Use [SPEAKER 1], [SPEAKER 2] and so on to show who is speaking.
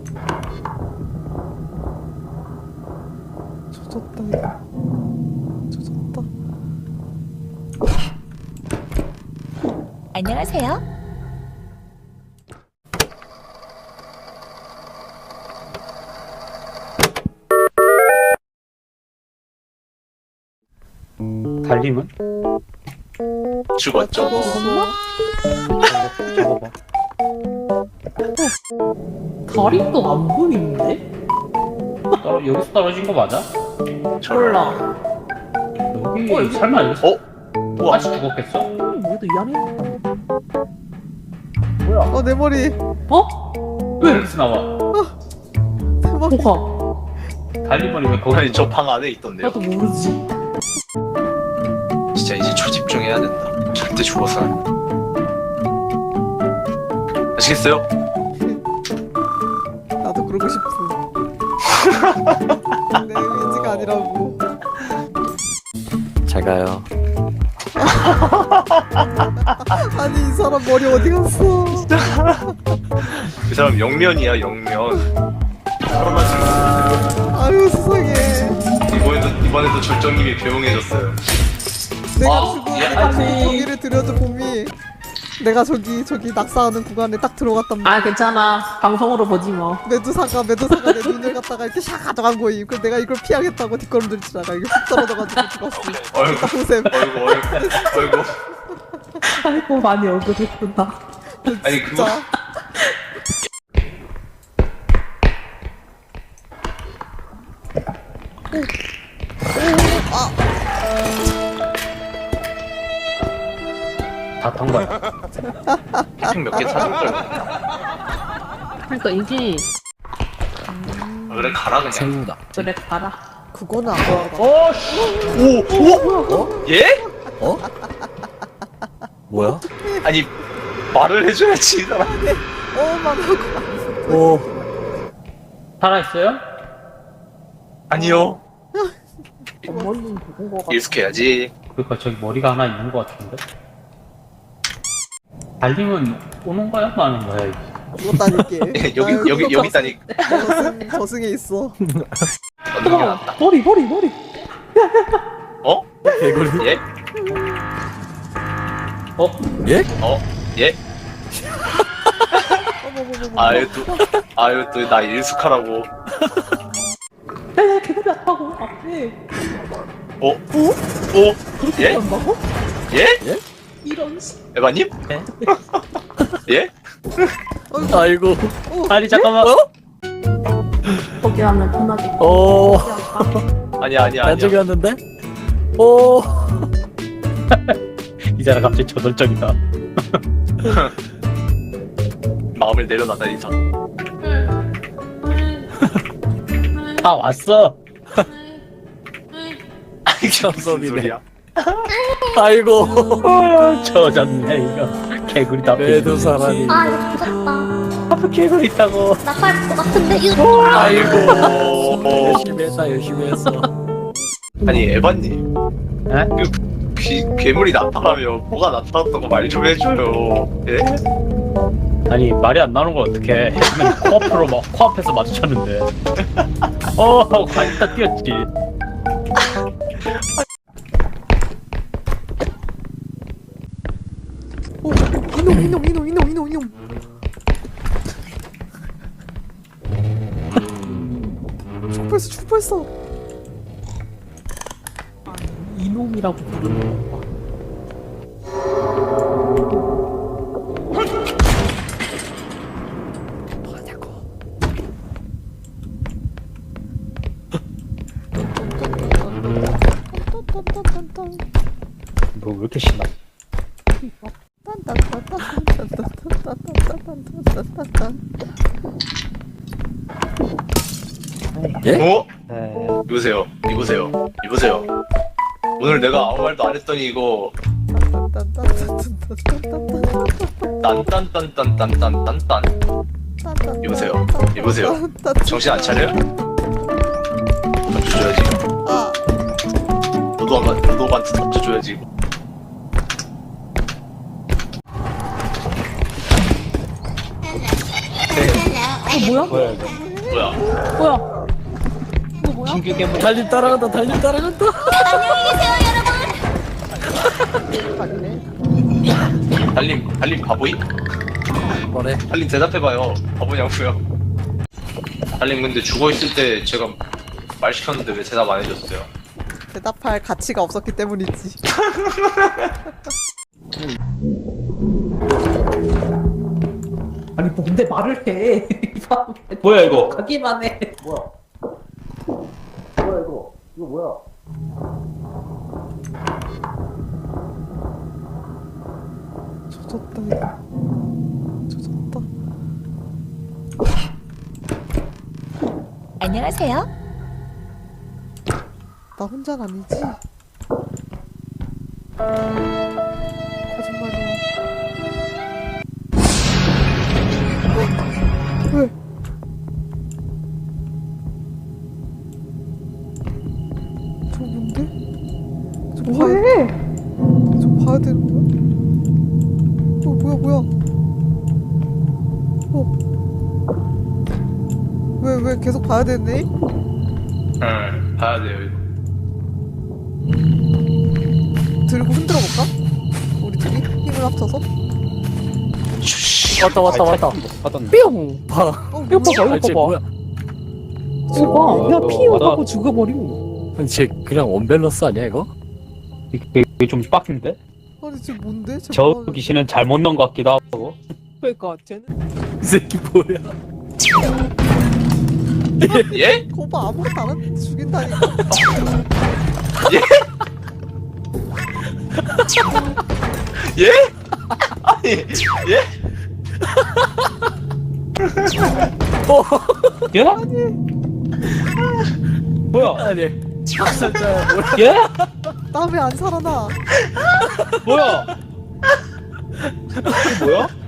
[SPEAKER 1] 조졌다 이거. 조졌다.
[SPEAKER 2] 안녕하세요.
[SPEAKER 3] 달림은?
[SPEAKER 4] 죽었죠.
[SPEAKER 3] 저거 봐.
[SPEAKER 5] 다리도 안 보이는데?
[SPEAKER 3] 여기서 떨어진 거 맞아?
[SPEAKER 5] 몰라.
[SPEAKER 3] 여기 설마 여기서
[SPEAKER 4] 우와.
[SPEAKER 3] 아직 죽었겠어?
[SPEAKER 5] 뭐도 이 안에 있다.
[SPEAKER 1] 내 머리.
[SPEAKER 5] 어?
[SPEAKER 3] 왜 여기서 나와?
[SPEAKER 1] 내 머리.
[SPEAKER 5] 뭐가?
[SPEAKER 3] 달림머리 왜 거기?
[SPEAKER 4] 아니 저 방 안에 있던데요.
[SPEAKER 5] 나도 모르지.
[SPEAKER 4] 진짜 이제 초집중해야 된다. 절대 죽어서 안 돼. 아시겠어요?
[SPEAKER 1] 나도 그러고 싶어. 내 의지가 아니라고.
[SPEAKER 6] 잘 가요.
[SPEAKER 1] 아니 이 사람 머리 어디 갔어?
[SPEAKER 4] 그 사람 영면이야 영면.
[SPEAKER 1] 아유 세상에.
[SPEAKER 4] 이번에도 절정님이 배웅해줬어요.
[SPEAKER 1] 내가 죽고
[SPEAKER 4] 예,
[SPEAKER 1] 내가
[SPEAKER 5] 아니.
[SPEAKER 1] 고기를 들여줘 봄이. 내가 저기 낙사하는 구간에 딱 들어갔단 말이야.
[SPEAKER 5] 아 괜찮아. 방송으로 보지 뭐.
[SPEAKER 1] 메두사가 내 눈을 갖다가 이렇게 샥 가져간 거임. 그래서 내가 이걸 피하겠다고 뒷걸음질 치다가 이게 훅 떨어져가지고 죽었어.
[SPEAKER 4] 어이구
[SPEAKER 1] 고샘.
[SPEAKER 4] 어이구.
[SPEAKER 5] 아이고 많이 억울했구나.
[SPEAKER 4] 아니 그거
[SPEAKER 1] 진짜.
[SPEAKER 3] 다 탄 거야.
[SPEAKER 4] 핑 몇 개 찾을 걸.
[SPEAKER 5] 그러니까 이게
[SPEAKER 4] 아, 그래 가라 그냥.
[SPEAKER 6] 생우다.
[SPEAKER 5] 그래 가라.
[SPEAKER 1] 그거는 안 보여.
[SPEAKER 4] 오? 예?
[SPEAKER 6] 어? 뭐야?
[SPEAKER 4] 아니 말을 해줘야지 이 사람.
[SPEAKER 1] 말하고.
[SPEAKER 6] 오.
[SPEAKER 3] 살아있어요?
[SPEAKER 4] 아니요.
[SPEAKER 5] 어머님 죽은 거 같아.
[SPEAKER 4] 일숙해야지.
[SPEAKER 3] 그러니까 저기 머리가 하나 있는 거 같은데? 달림은 오는 거야? 마는 거야? 이게?
[SPEAKER 1] 죽었다니까.
[SPEAKER 4] 여기 있다니.
[SPEAKER 1] 저승에 있어.
[SPEAKER 4] 어느 게 낫다.
[SPEAKER 5] 머리.
[SPEAKER 4] 어?
[SPEAKER 6] 개구리.
[SPEAKER 4] 예?
[SPEAKER 3] 어?
[SPEAKER 6] 예?
[SPEAKER 4] 예?
[SPEAKER 1] 어머머머머.
[SPEAKER 4] 아유 또 나 일숙하라고.
[SPEAKER 5] 야야 개구리 아파고 앞에.
[SPEAKER 4] 오? 예?
[SPEAKER 5] 한다고?
[SPEAKER 4] 예?
[SPEAKER 5] 이런 씨.
[SPEAKER 4] 에바님? 예?
[SPEAKER 6] 아이고.
[SPEAKER 3] 아니 잠깐만.
[SPEAKER 5] 거기 하면 편하게.
[SPEAKER 6] 오.
[SPEAKER 4] 아니야.
[SPEAKER 6] 안쪽이 왔는데? 오.
[SPEAKER 3] 이 사람 갑자기 저돌적이다.
[SPEAKER 4] 마음을 내려놔다 이 사람.
[SPEAKER 3] 다 왔어.
[SPEAKER 4] 이게 무슨
[SPEAKER 6] 참섭이네.
[SPEAKER 4] 소리야?
[SPEAKER 6] 아이고.
[SPEAKER 3] 젖었네 이거. 개구리 다
[SPEAKER 6] 매도 사람이.
[SPEAKER 2] 아 이거 무섭다.
[SPEAKER 3] 개구리 있다고.
[SPEAKER 2] 나갈 것 같은데 이거.
[SPEAKER 4] 아이고.
[SPEAKER 6] 열심히 했다. 열심히 했어.
[SPEAKER 4] 아니 에바님.
[SPEAKER 3] 에?
[SPEAKER 4] 괴물이 나타나면 뭐가 나타났다고 말 좀 해줘요. 예?
[SPEAKER 3] 아니 말이 안 나오는 걸 어떡해. 했으면 코앞으로 막 코앞에서 마주쳤는데. 관다 뛰었지.
[SPEAKER 1] 이놈. 죽벌써.
[SPEAKER 5] 이놈이라고 부르는 거 봐.
[SPEAKER 3] 너 왜 이렇게 신나?
[SPEAKER 6] 예?
[SPEAKER 4] 어?
[SPEAKER 3] 네.
[SPEAKER 4] 이보세요. 오늘 내가 아무 말도 안 했더니 이거 딴딴딴딴딴딴딴. 이보세요. 정신 안 차려요? 던져줘야지. 노도한테 던져줘야지.
[SPEAKER 5] 뭐야?
[SPEAKER 3] 뭐야 이거?
[SPEAKER 4] 뭐야?
[SPEAKER 5] 뭐야? 이거 뭐야?
[SPEAKER 3] 신규 괴물.
[SPEAKER 6] 달님 따라간다 달님 따라간다.
[SPEAKER 1] 아니네.
[SPEAKER 4] 달님 바보임?
[SPEAKER 6] 뭐래?
[SPEAKER 4] 달님 대답해봐요. 바보냐고요? 달님 근데 죽어있을 때 제가 말 시켰는데 왜 대답 안 해줬어요?
[SPEAKER 1] 대답할 가치가 없었기 때문이지.
[SPEAKER 5] 아니 뭔데 말을 해? 이 사람
[SPEAKER 3] 뭐야 이거?
[SPEAKER 5] 가기만 해.
[SPEAKER 1] 조졌다 이거. 조졌다.
[SPEAKER 2] 안녕하세요.
[SPEAKER 1] 나 혼자 아니지? 거짓말이야. 왜? 저 뭔데? 저
[SPEAKER 5] 뭐해?
[SPEAKER 1] 저 봐야 되는 거야? 뭐야? 왜 계속 봐야 되네?
[SPEAKER 4] 응 봐야 돼요.
[SPEAKER 1] 들고 흔들어 볼까? 우리 둘이 힘을 합쳐서?
[SPEAKER 6] 왔다.
[SPEAKER 3] 받았네.
[SPEAKER 6] 뿅. 봐.
[SPEAKER 5] 이거 봐봐,
[SPEAKER 6] 아, 쟤
[SPEAKER 5] 이거
[SPEAKER 6] 뭐야?
[SPEAKER 5] 봐봐. 이거 봐. 야 피우고 죽어버려.
[SPEAKER 6] 쟤 그냥 원밸런스 아니야 이거?
[SPEAKER 3] 이게 좀 빡센데?
[SPEAKER 1] 아니 지금 뭔데?
[SPEAKER 3] 저 귀신은 잘못 넣은 것 같기도 하고.
[SPEAKER 5] 그러니까 쟤는
[SPEAKER 6] 이 새끼 뭐야?
[SPEAKER 4] 예?
[SPEAKER 1] 거봐 아무것도 안 하는데 죽인다니까.
[SPEAKER 4] 예? 아니 예?
[SPEAKER 3] 예? 뭐야?
[SPEAKER 6] 아니. 학살자야 뭐야?
[SPEAKER 3] 예?
[SPEAKER 1] 나 왜 안 살아나?
[SPEAKER 3] 뭐야? 이게 뭐야?